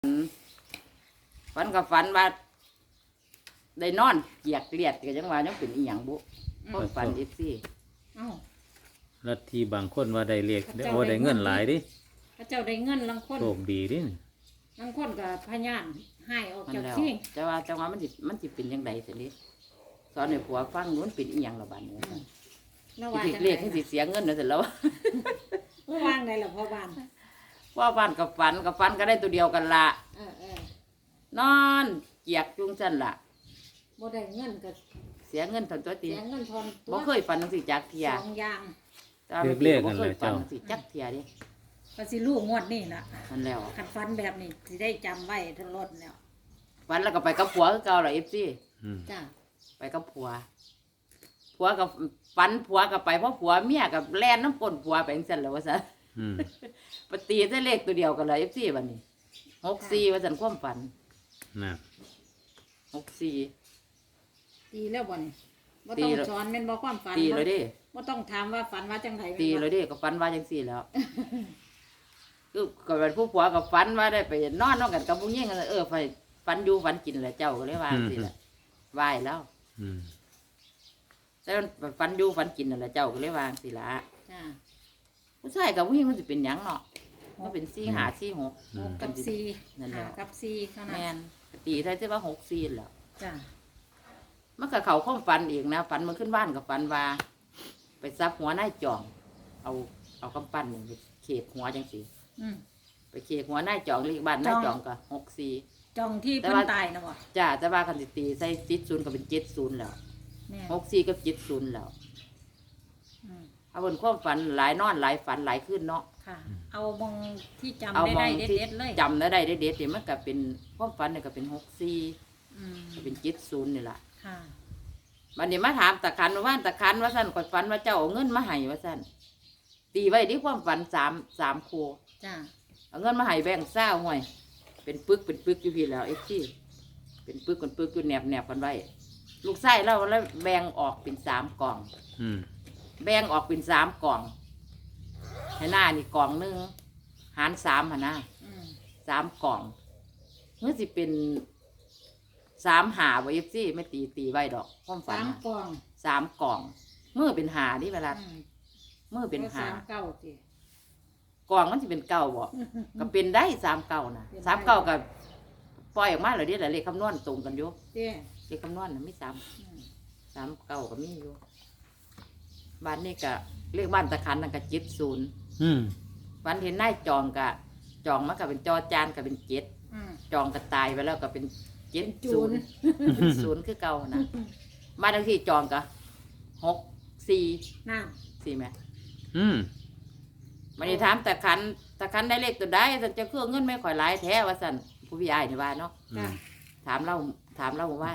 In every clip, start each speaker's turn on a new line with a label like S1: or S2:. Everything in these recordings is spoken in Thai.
S1: ฝันกับฝันว่าได้นอนเกียกเลียดก็จังว่ายังเป็นอีหยังบุเพราะฝันอีซี่
S2: เอ้า
S3: ลัทธิบางคนว่าได้เลขโอ้ได้เงินหลายดิ
S2: พระเจ้าได้เงินลังคน
S3: โชคดีดิ
S2: ลังคนกับพญานให้ออก
S1: มัน
S2: จาก
S1: แล้ว
S2: ที่
S1: จังว่ามันสิเป็นยังไงสิลิสอนให้ผัวฟังนู้นเป็นอีหยังละบัดนี้
S2: ระ
S1: สิ
S2: วาง
S1: ถึก
S2: จัง
S1: เล
S2: ได
S1: ขที่สิเสียเงินนั่นสิแล้ว
S2: ระวางได้หรอพ่อบ้าน
S1: ว่าบ้านกับฝันก็ได้ตัวเดียวกันละ
S2: เออน
S1: อนเกียกจุงซั่นล่ะ
S2: บ่ได้เงินกับ
S1: เสียเงินทันตัวตี
S2: เสียเงินทอนตัว
S1: บ่เคยฝันจังสิจักเทีย
S2: สองอย่าง
S1: แต่ว่ามันบ่เคยฝันจังสิจักเทียเดิ
S2: ก็สิลูกงวดนี่ล่ะ
S1: มันแล้ว
S2: ขัดฟันแบบนี้สิได้จำไว้ทั้งรถแล้ว
S1: ฝันแล้วก็ไปกับผัวคือเก่าล่ะ FC
S2: จ้า
S1: ไปกับผัวกับฝันผัวกับไปเพราะผัวเมียกับแล่นน้ำก้นผัวไปจังซั่นแหล้วว่าซั่น
S3: อืม
S1: ปตีได้เลขตัวเดียวกันเลย FC บัดนี้64ว่าซั่นความฝัน
S3: นะ
S1: 64
S2: ตีแล้วบ่นี่บ่
S1: ตี
S2: ต้อง
S1: แล้ว
S2: สอนแม่นบ่ความฝัน
S1: ตีเลยเด้
S2: บ่ต้องถามว่าฝันว่าจังได
S1: ตีเลยเด้ก็ฝันว่าจังซี่แล้ว คือก็เป็นผู้ผัวกับฝันว่าได้ไปนอนกันกับผู้หญิงกันไปฝันอยู่ฝันกินแหละเจ้าก็เลยว่าจังซี่แหละไหว้แล้ว
S3: อืม
S1: แต่มันฝันอยู่ฝันกินนั่นแหละเจ้าก็เลยวาจังซี่ล่ะ
S2: จ้า
S1: ผู้ชายกับผู้หญิงมันสิเป็นหยังเนาะมันเป็น4 5 4 6
S2: หกกับสี่
S1: นั่นแหละ
S2: ห้ากับสี่เท่านั้น
S1: แม่นตีได้ที่ว่า64แล้ว
S2: จ้า
S1: มันก็เข้าความฝันอีกนะฝันมันขึ้นบ้านกับฝันว่า ไปซับหัวนายจอง เอากำปั้นนี่ไปเขกหัวจังซี่
S2: อืม
S1: ไปเขกหัวนายจองเลขบ้านนายจองก็64
S2: จองที่
S1: แต่
S2: เพิ่น
S1: ว่า
S2: ตายนะบ่
S1: จ้าแต่ว่าคันสิตีใส่70ก็เป็น70แล้ว
S2: แม่
S1: 64กับ70แล้ว
S2: อืม
S1: เอาบนความฝันหลายนอนหลายฝันหลายขึ้นเนาะ
S2: ค่ะ เอามองที่จำ
S1: เอา
S2: ได้
S1: มอง
S2: ได้
S1: ที่
S2: เด็ดๆเลย
S1: จำได้เด็ดๆนี่มันก็เป็นความฝันนี่ก็เป็น64
S2: อืม
S1: ก็เป็น70นี่ล่ะ
S2: ค่ะ
S1: วันนี้มาถามตะคันว่าตะคันว่าซั่นก่อนฝันว่าเจ้าเอาเงินมาให้ว่าซั่นตีไว้ที่ความฝัน3คู่
S2: จ้า
S1: เอาเงินมาให้แบ่งค์20ห่วยเป็นปึกอยู่พี่แล้วเป็นปึกอยู่แนบกันไว้ลูกไส้เราแล้วแบ่งออกเป็น3กล่อง
S3: อืม
S1: แบ่งออกเป็น3กล่องให้หน้านี่กล่องหนึงหาร3หั่นนะ
S2: อืม
S1: 3กล่องเมื่อสิเป็น3หาบ่ FC ไม่ตีไว้ดอกความฝัน
S2: สาม
S1: น่ะ
S2: กล่อง
S1: 3กล่องมือเป็นหานี่เวลา
S2: อืม
S1: มือเป็นหา
S2: สามเก้าสิ
S1: กล่องมันสิเป็นเก่าบ่ก็เป็นได้3เก่านะ3เก่าก็ปล่อยออกมาแล้วเด้แหละเลขคำนวณตรงกันอยู่
S2: เด้
S1: เลขคำนวณน่ะมี3
S2: อืม
S1: 3เก่าก็มีอยู่บ้านนี้ก็เลขบ้านตะคันนั่นก็70
S3: อืม
S1: วันเห็นนายจองก็จองมันก็เป็นจอจานก็เป็น7
S2: อืม
S1: จองก็ตายไปแล้วก็เป็น7
S2: จูน
S1: 0เป็น0คือเก่านะบ้านเลขที่จองก็6
S2: น้
S1: 4 4แม่
S3: อืม
S1: มันนี่ถามตะคันได้เลขตัวใดสันจะเครื่องเงินไม่ค่อยหลายแท้ว่าสันผู้พี่อายนี่ว่าเนาะ
S2: ำจ้า
S1: ถามเราว่า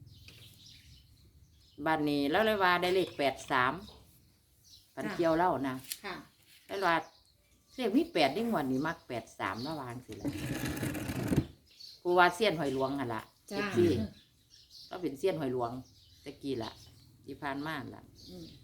S1: บ้านนี้แล้วเลยว่าได้เลข83ปันเกี่ยวเล่านะ
S2: ค่ะ
S1: แล้วว่าเลขมี8นี่งวดนี้มัก83ระวางสิล่ะผู้ว่าเสี้ยนหอยหลวงหั่นล่ะ
S2: จ้า
S1: ที่ก็เป็นเสี้ยนหอยหลวงตะกี้ล่ะที่ผ่านมาล่ะ
S2: อืม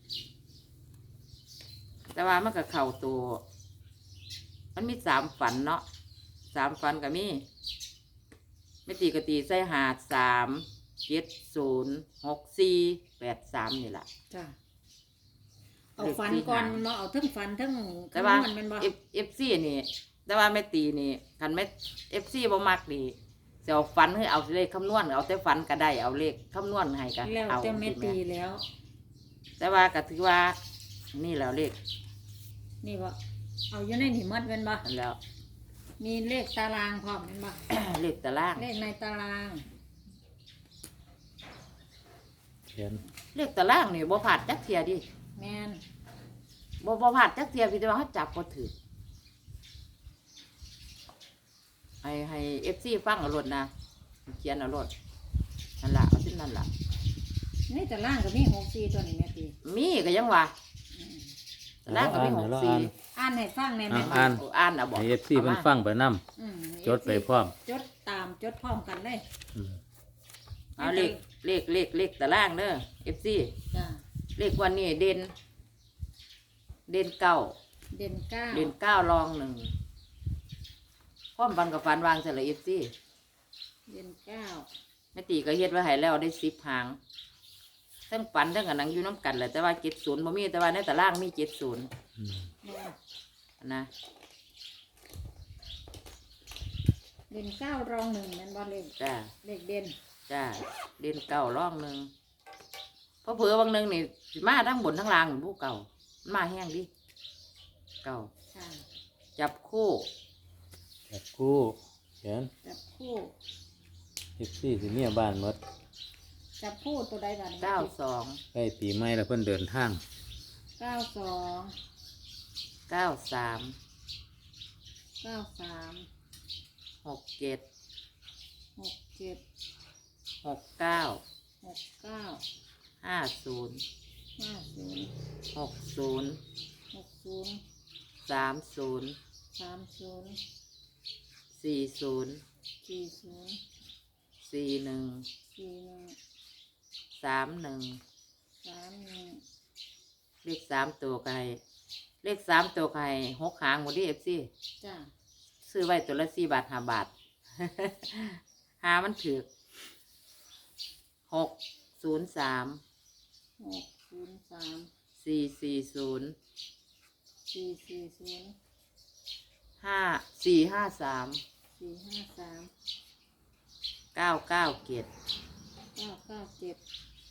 S1: แต่ว่ามันก็เข้าตัวมันมี3ฝันเนาะ3ฝันก็มีไม่ตีก็ตีใส่หา3 7 0 6 4 8 3นี่แหละ
S2: จ้าเอาฟันก่อนมาเอาทั้งฟันทั้ง
S1: แต่ว่า
S2: คำนวณแมันบ่
S1: FC นี่ แต่ว่าไม่ตีนี่คันไม่ FC บ่มักนี่จะเอาฝันให้เอาเลขคำนวณเอาแต่ฝันก็ได้เอาเลขคำนวณให้กัน
S2: แล้ว
S1: เอา
S2: แต่แม่ตีแล้ว
S1: แต่ว่าก็ถือว่า นี่แล้วเลข
S2: นี่บ่เอาอยู่ในนี่หมดแมันบ่
S1: นั่นแล้ว
S2: มีเลขตารางพร้อมแมันบ่
S1: เลขตาราง
S2: เลขในตาราง
S3: เขียน
S1: เลขตารางนี่บ่พลาดจักเที่ยดิ
S2: แม่น
S1: บ่พลาดจักเที่ยพี่แต่ว่าเขาจับบ่ถือให้ FC ฟังเอารถนะเขียนเอารถนั่นล่ะเอาสิ้นนั่นล่ะ
S2: ในตารางก็มี64ตัวนี่แม่ตี
S1: มีก็ยังว่า
S2: อืม
S1: ตารางก็มี
S3: เดี๋ยว
S1: 64
S2: อ่านให้ฟังแม่แม่
S3: อ่าน
S1: โอ้อ่านเอาบอก
S3: ให้ FC เพิ่นฟังไปนำ
S2: อืม
S3: จดไปพร้อม
S2: จดตามจดพร้อมกันเลย
S3: อืม
S1: เอาเลขตารางเด้อ FC
S2: จ้า
S1: เลขวันนี้เด่นเก้า
S2: เด่นเก้า
S1: เด่น9รอง1คความฝันกับฝันวางเสร็จสิ
S2: เดือนเก้า
S1: แม่ตีก็เฮ็ดไว้ให้แล้วได้10 หางทั้งฝันทั้งอันนังอยู่น้ำกันแหละแต่ว่า70บ่มีแต่ว่าในตารางมี70
S3: อืม
S1: นะ
S2: เดือนเก้ารองหนึ่งแม่นบ่เลข
S1: จ้า
S2: เลขเด่น
S1: จ้าเด่นเก่าร่องหนึ่งเพราะเผื่อบางหนึงนี่สิมาทั้งบนทั้งล่างผู้เก่ามันมาแห้งดิเก่า
S2: ค่ะ
S1: จับคู่
S3: จับคู่เขียน
S2: จับคู่
S3: 14สิเมียบ้านหมด
S2: จับคู่ตัวใดบ้าง
S1: 92
S3: ใกล้ปีใหม่แล้วเพิ่นเดินทาง
S2: 92
S1: 93
S2: 93
S1: 67
S2: 67
S1: 69
S2: 69
S1: 50
S2: 50
S1: 60
S2: 60
S1: 30
S2: 30
S1: 40
S2: 40
S1: 41
S2: 41
S1: 31
S2: 31
S1: เลข3ตัวไก่เลข3ตัวไก่6 หางหมดดิ FC
S2: จ้า
S1: ซื้อไว้ตัวละ4 บาท 5 บาท หามันถือ603
S2: 603
S1: 440
S2: 440
S1: 453
S2: 453
S1: 997
S2: 997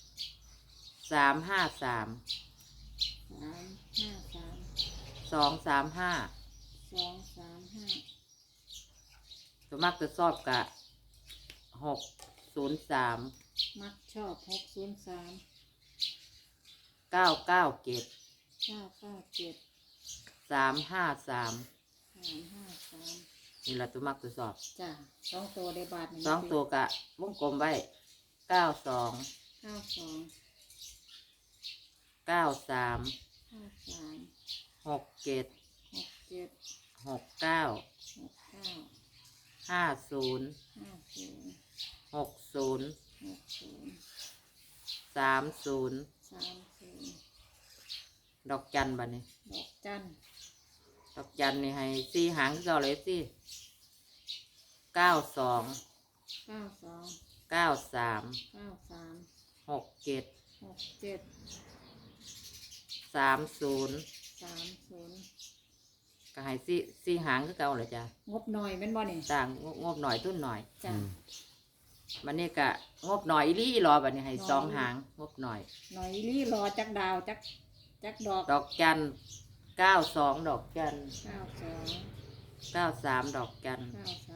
S1: 353
S2: 353
S1: 235
S2: 235
S1: ตัวมักจะชอบกะ603
S2: มักชอบ603
S1: 997
S2: 997
S1: 353
S2: 353
S1: นี่แหละตัวมักตัวชอบ
S2: จ้าสองตัวได้บาทหนึ่ง
S1: 2 ตัวกะวงกลมไว้92
S2: 92
S1: 93
S2: 53
S1: 67
S2: 67
S1: 69
S2: 69
S1: 50
S2: 50
S1: 60
S2: 60
S1: 30
S2: 30
S1: ดอกจันบัดนี้
S2: ดอกจัน
S1: ดอกจันนี่ให้4 หางก็เลยสิ92
S2: 92
S1: 93
S2: 93
S1: 67
S2: 67
S1: 30
S2: 30
S1: ก็ให้4 หางคือเก่าเลยจ้ะ
S2: งบหน่อยแม่นบ่นี่
S1: ต่างงบหน่อยทุนหน่อย
S2: จ้า
S1: บัดนี้ก็งบหน่อยอีหลีอีหลอบัดนี้ให้2 หางงบหน่อย
S2: หน่อยลี่รอจักดาวจักดอก
S1: ดอกจัน92 ดอกจัน
S2: 92
S1: 93 ดอกจัน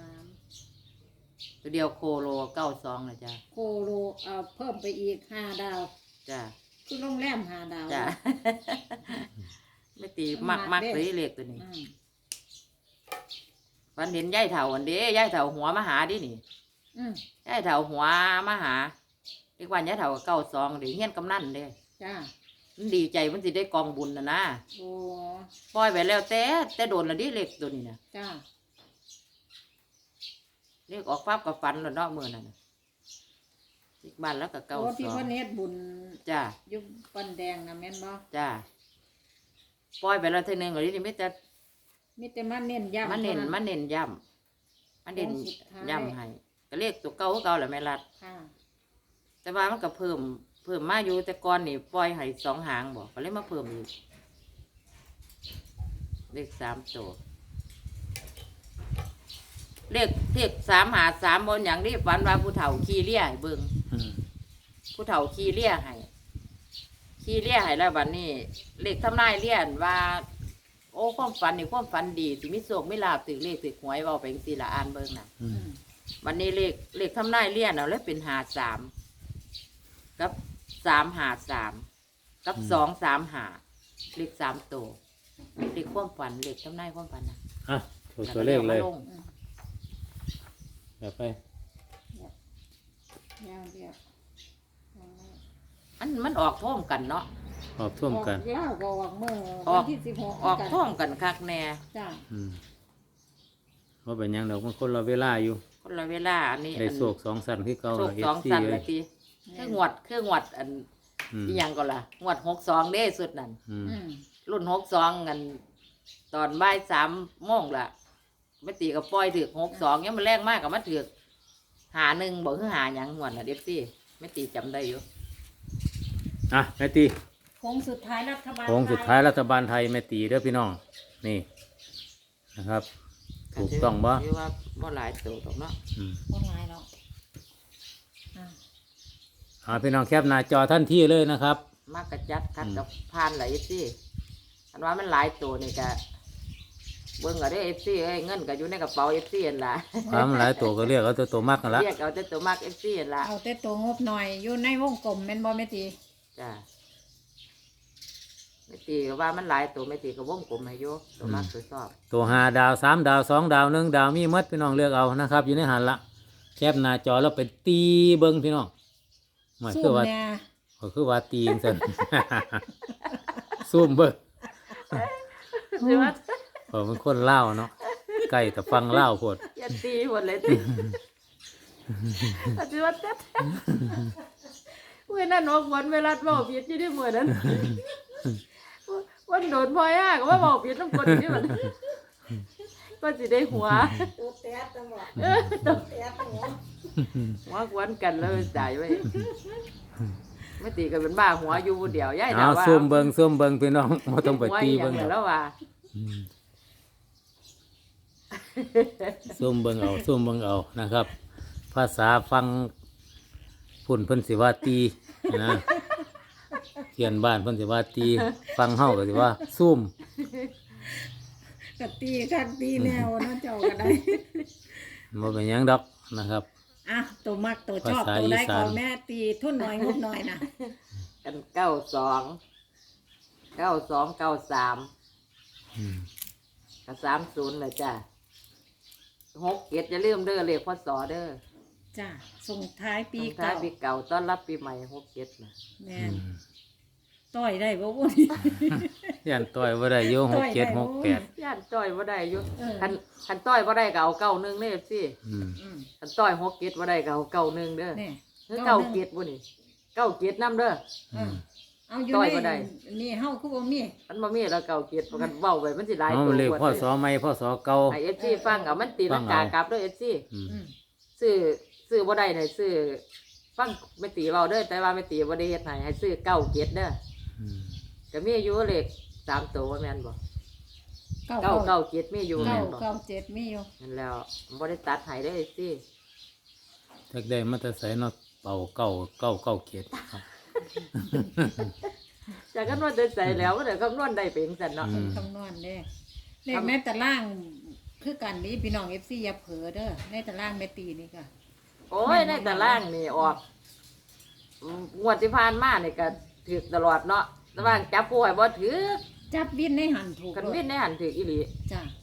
S2: 93
S1: ตัวเดียวโคโล92นะจ้ะ
S2: โคโลเอาเพิ่มไปอีก5ดาว
S1: จ้ะ
S2: คือโรงแรม5ดาว
S1: จ้ะ ไม่ตี
S2: มัน
S1: มัก
S2: มัก
S1: เลย
S2: เด้
S1: เล็กตัวนี้
S2: อืม
S1: วันเห็นยายเฒ่าอันเด้ยายเฒ่าหัวมาหาดินี่
S2: อืม
S1: ยายเฒ่าหัวมาหาเรียกว่ายายเฒ่าก็92เด้เฮียนกำนันเด้
S2: จ้า
S1: มันดีใจมันสิได้กองบุญนะ
S2: โอ้
S1: ปล่อยไปแล้วแต่โดนละดิเล็กตัวนี้นะ
S2: จ้า
S1: เรียกออกปั๊บกับฟันแล้วเนาะมื้อนั้นน่ะอีกบ้านแล้วก็
S2: โอ้ที่เพิ่น
S1: 92
S2: เฮ็ดบุญ
S1: จ้ะ
S2: อยู่ปันแดงนะแม่นบ่
S1: จ้ะปล่อยไปแล้วเทีนึงก็นี่มีแต่
S2: มีแต่มาเน้นย้ำ
S1: มันเน้น
S2: ท่า
S1: มันเน้นย้ำมันเน้น
S2: โค้งสุดท้าย
S1: ย้ำให้ก็เรียกตัวเก่าคือเก่าแหละแม่รัด
S2: ค่ะ
S1: แต่ว่ามันก็เพิ่มมาอยู่แต่ก่อนนี่ปล่อยให้2 หางบอกก็เลยมาเพิ่มอีกเลข3 ตัวเลข3 หา 3บนอย่างนี้ฝันว่าผู้เฒ่าขี่เลี้ยให้เบิ่ง
S3: อืม
S1: ผู้เฒ่าขี่เลี้ยให้แล้วบัดนี้เลขทำนายเลี้ยนว่า โอ้ความฝันนี่ความฝันดีสิมีโชคมีลาภถึงเลขถึงหวยเว้าไปจังซี่ล่ะอ่านเบิ่งน่ะ
S3: อื
S2: อื
S3: ม
S2: ม
S1: วันนี้เลขทำนายเลี่ยนเอาเลยเป็น53กับ353กับ235เลข3ตัวเลขความฝันเลขทำนายความฝันนะ
S3: อ่ะถูกตัวเลขเลย
S1: แวก็อามาง
S2: อืม
S3: แบบไป
S2: ยาวเดียว
S1: มันออกพร้อมกันเนาะ
S3: ออกท่วมกัน
S2: ออกเล่าก็ออกมื้อ
S1: ออก
S2: วันที่16
S1: ออกพร้อมกันคักแน่
S2: จ้า
S3: อืมว่าเป็นหยังดอกมันคนละเวลาอยู่
S1: คนละเวลาอันนี้
S3: ได้โศก2 สั่นคือเก่า
S1: โชค
S3: เอ
S1: สอง
S3: ซี
S1: สัน
S3: เล
S1: ละ
S3: ย
S1: ทีคืองวดอัน
S3: อืม
S1: อีหยังก็ล่ะงวด62เด้สุดนั่น
S3: อืม
S2: อืม
S1: รุ่น62กันตอนบ่าย3 โมงล่ะไม่ตีกับปล่อยถือ62เนี่ยมันแรงมากกับมันถือหา1บ่คือหาหยังหวนน่ะเด็บซี่ไม่ตีจำได้อยู่
S3: อ่ะแม่ตี
S2: โค้งสุดท้ายรัฐบาล
S3: โค้งสุดท้ายรัฐบาลไทยแม่ตีเด้อพี่น้องนี่นะครับ ถูกต้องบ่
S1: ถือว่าบ่หลายตัวดอกเนาะ
S3: อืม
S2: บ่หลายแล้วอ่ะ
S3: พี่น้องแคปหน้าจอท่านที่เลยนะครับ
S1: มากกระจัดคัดกับพานหลายซี่อันว่ามันหลายตัวนี่ก็เบิ่งเอาได้ FC เอ้ยเงินก็อยู่ในกระเป๋า FC นั่นล่ะ
S3: ความหลายตัวก็เรียกเอาตัวมากกันละ
S1: เรียกเอาแต่ตัวมาก FC นั่นล่ะ
S2: เอาแต่ตัวงบหน่อยอยู่ในวงกลมแม่นบ่แม่ตี
S1: จ้ะไม่ตีก็ว่ามันหลายตัวไม่ตีก็วงกลมให้อยู่ตัวมากตัวชอบ
S3: ตัว5 ดาว 3 ดาว 2 ดาว 1 ดาวมีหมดพี่น้องเลือกเอานะครับ อยู่ในหันละแคปหน้าจอแล้วไปตีเบิ้งพี่น้องหมาย
S2: สู้
S3: คือว่า
S2: เนี่ย
S3: ก็คือว่าตีจังซั่น ซุ่มเบิ้ง
S1: ใช่ไหม
S3: เพราะมันคนเล่าวเนาะใกล้แต่ฟังเล่าวโพด
S1: อย่าตีหมดเลยตีใช่ไหมเต็มเมื่อนั้นออกวันเวลาบอกผิดอยู่ที่เมื่อนั้นวันโดนพอยากว่าบอกผิดต้องกดที่มันก็สิได้หัว
S2: ตัวแต๊ดจังบ่
S1: ต้อง
S2: แต๊ดหัว
S1: หัวกวนกันแล้วจ่ายไว้ไม่ตีกันเป็นบ้าหัวอยู่ผู้เดียวย่าย
S3: เอา
S1: ดาวว่า
S3: ซุ่มเบิ้งซุ่มเบิ้งพี่น้องบ่ต้องไปตี
S1: หั
S3: เบิ้
S1: ว
S3: ง
S1: อีห
S3: หร
S1: ยั
S3: อก
S1: แล้วว่า
S3: ซุ่มเบิ้งเอาซุ่มเบิ้งเอานะครับ ภาษาฟังพุ่นเพิ่นสิว่าตีนะเขียนบ้านเพิ่นสิว่าตีฟังเฮาก็สิว่าซุ่ม
S2: ก็ตีคักตีแนวเนาะเจ้าก็ได้
S3: บ่เป็นหยังดอกนะครับ
S2: อ่ะตัวมักตัวชอบ
S3: ภาษา
S2: ตัวใด
S3: อีสาน
S2: ของแม่ตีทุนน้อยงบน้อยนะ
S1: กัน92 93
S3: อืม
S1: กับ30เลยจ้ะ67อย่าลืมเด้อเลขพศเด้อ
S2: จ้ะส่งท้ายปี
S1: ส่งท้า
S2: เก่าย
S1: ปีเก่าต้อนรับปีใหม่67นะ
S2: แม่
S3: อื
S2: น
S3: ม
S2: ต่อยได้บ่บุญ
S3: ยันต่อยบ่ได้อยู่
S2: ต่อยได้
S3: 67
S2: บ่
S3: 68
S1: ย่านต้อยบ่ได้อยู่
S2: เออ
S1: คันต้อยบ่ได้ก็เอา91เด้อสิ
S3: อืม
S2: อืม
S1: คันต้อย67บ่ได้ก็เอา91เด้อ
S2: นี่
S1: คือ97บ่นี่97นำเด้อ
S2: อืมเอาอยู่
S1: ต่อยบ่
S2: ใน
S1: ได้
S2: นี่เฮาคือบ่มี
S1: มันบ่มีแล้ว97ประกันเว้าไว้มันสิหลาย
S3: เอา
S1: ตัว
S3: เลข
S1: กว่า
S3: พ่อสอใหม่พ่อสอเก่า
S1: ให้ FC ฟังเอามันตีลังกากลับเด้อ FC
S3: อืม
S2: อืม
S1: ซื้อบ่ได้เนี่ยซื้อฟังไม่ตีเว้าเด้อแต่ว่าไม่ตีบ่ได้เฮ็ดให้ซื้อ97เด้อ
S3: อืม
S1: ก็มีอยู่เลข3ตัวว่าแม่นบ่
S2: เก้า
S1: 997มีอยู่
S2: เก้า
S1: แม่นบ่
S2: เก้าเจ็ดมีอยู่
S1: นั่นแล้วบ่ได้ตัดให้เด้อ FC
S3: จักได้มาแต่ไสเนาะเป่าเก้าเก้าเก้าเกียรติครับ
S1: จากกันว่าจะใส่แล้วก็เดี๋ยวคำนวณได้เป็นจังซั่นเนาะ
S3: อืม
S2: คำนวณเด้เลขแม่ตะล่างคือกันนี้พี่น้อง FC อย่าเผลอเด้อในตะล่างแม่ตีนี่ก็
S1: โอ้ยในตารางนี่ออกงวดที่ผ่านมานี่ก็ถูกตลอดเนาะแต่ว่าจับผู้ให้บ่ถือ
S2: จับวินในหันถูก
S1: คัน
S2: โลด
S1: วินในหันถืออีหลี
S2: จ้ะ